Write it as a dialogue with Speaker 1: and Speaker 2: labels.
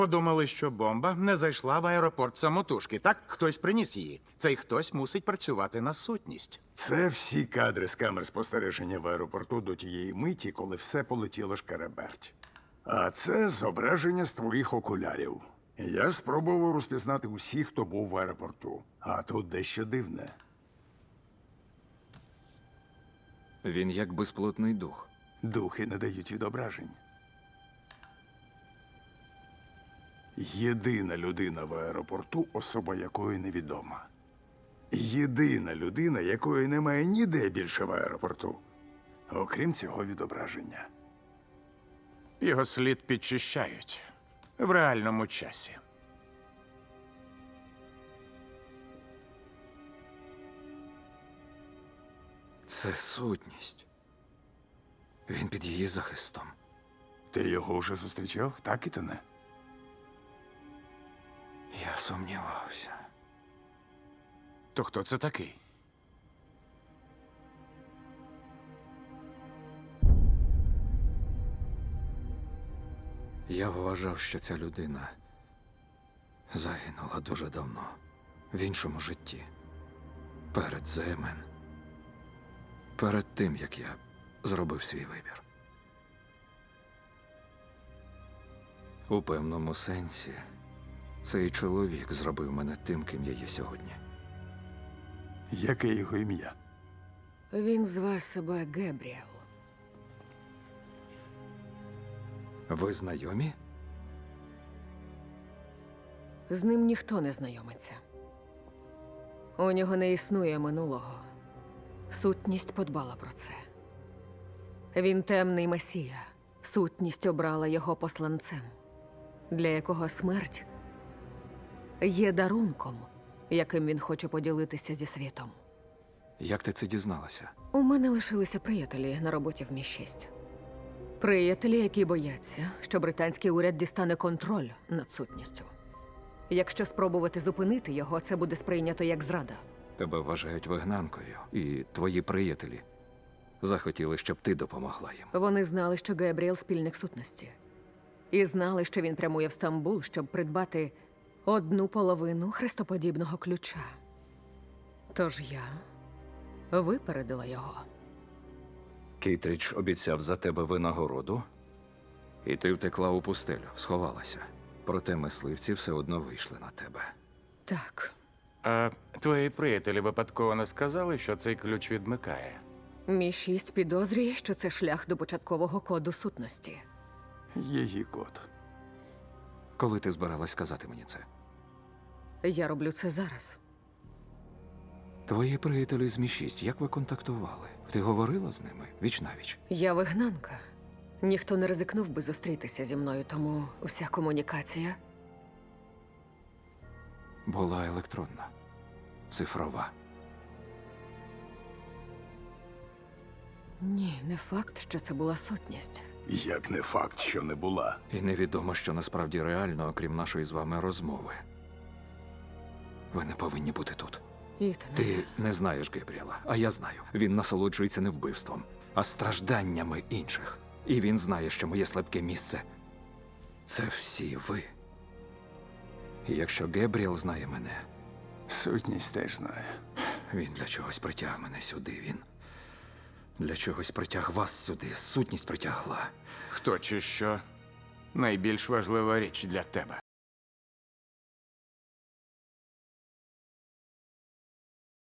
Speaker 1: Подумали, що бомба не зайшла в аеропорт самотужки. Так, хтось приніс її. Цей хтось мусить працювати на сутність.
Speaker 2: Це всі кадри з камер спостереження в аеропорту до тієї миті, коли все полетіло шкереберть. А це зображення з твоїх окулярів. Я спробував розпізнати усіх, хто був в аеропорту. А тут дещо дивне.
Speaker 3: Він як безплотний дух.
Speaker 2: Духи не дають відображень. Єдина людина в аеропорту, особа якої невідома. Єдина людина, якої немає ніде більше в аеропорту, окрім цього відображення.
Speaker 1: Його слід підчищають в реальному часі.
Speaker 3: Це сутність. Він під її захистом.
Speaker 2: Ти його вже зустрічав, так, Ітане?
Speaker 3: Я сумнівався.
Speaker 1: То хто це такий?
Speaker 3: Я вважав, що ця людина загинула дуже давно, в іншому житті. Перед ЗМН. Перед тим, як я зробив свій вибір. У певному сенсі, цей чоловік зробив мене тим, ким я є сьогодні.
Speaker 2: Яке його ім'я?
Speaker 4: Він зве себе Гебріел.
Speaker 3: Ви знайомі?
Speaker 4: З ним ніхто не знайомиться. У нього не існує минулого. Сутність подбала про це. Він темний месія. Сутність обрала його посланцем, для якого смерть є дарунком, яким він хоче поділитися зі світом.
Speaker 3: Як ти це дізналася?
Speaker 4: У мене лишилися приятелі на роботі в Мі-6. Приятелі, які бояться, що британський уряд дістане контроль над сутністю. Якщо спробувати зупинити його, це буде сприйнято як зрада.
Speaker 3: Тебе вважають вигнанкою, і твої приятелі захотіли, щоб ти допомогла їм.
Speaker 4: Вони знали, що Гебріел – спільник сутності. І знали, що він прямує в Стамбул, щоб придбати одну половину хрестоподібного ключа. Тож я випередила його.
Speaker 3: Кейтрідж обіцяв за тебе винагороду, і ти втекла у пустелю, сховалася. Проте мисливці все одно вийшли на тебе.
Speaker 4: Так,
Speaker 1: А твої приятелі випадково не сказали, що цей ключ відмикає?
Speaker 4: Мі-6 підозрює, що це шлях до початкового коду сутності.
Speaker 2: Її код.
Speaker 3: Коли ти збиралась сказати мені це?
Speaker 4: Я роблю це зараз.
Speaker 3: Твої приятелі з Мі-6, як ви контактували? Ти говорила з ними віч-навіч?
Speaker 4: Я вигнанка. Ніхто не ризикнув би зустрітися зі мною, тому вся комунікація.
Speaker 3: Була електронна, цифрова.
Speaker 4: Ні, не факт, що це була сутність.
Speaker 2: Як не факт, що не була.
Speaker 3: І невідомо, що насправді реально, окрім нашої з вами розмови. Ви не повинні бути тут.
Speaker 4: Ітане,
Speaker 3: Ти не знаєш Гебріела, а я знаю. Він насолоджується не вбивством, а стражданнями інших. І він знає, що моє слабке місце – це всі ви. І якщо Гебріел знає мене,
Speaker 2: Сутність теж знає.
Speaker 3: він для чогось притяг мене сюди. Він для чогось притяг вас сюди. Сутність притягла.
Speaker 1: Хто чи що найбільш важлива річ для тебе?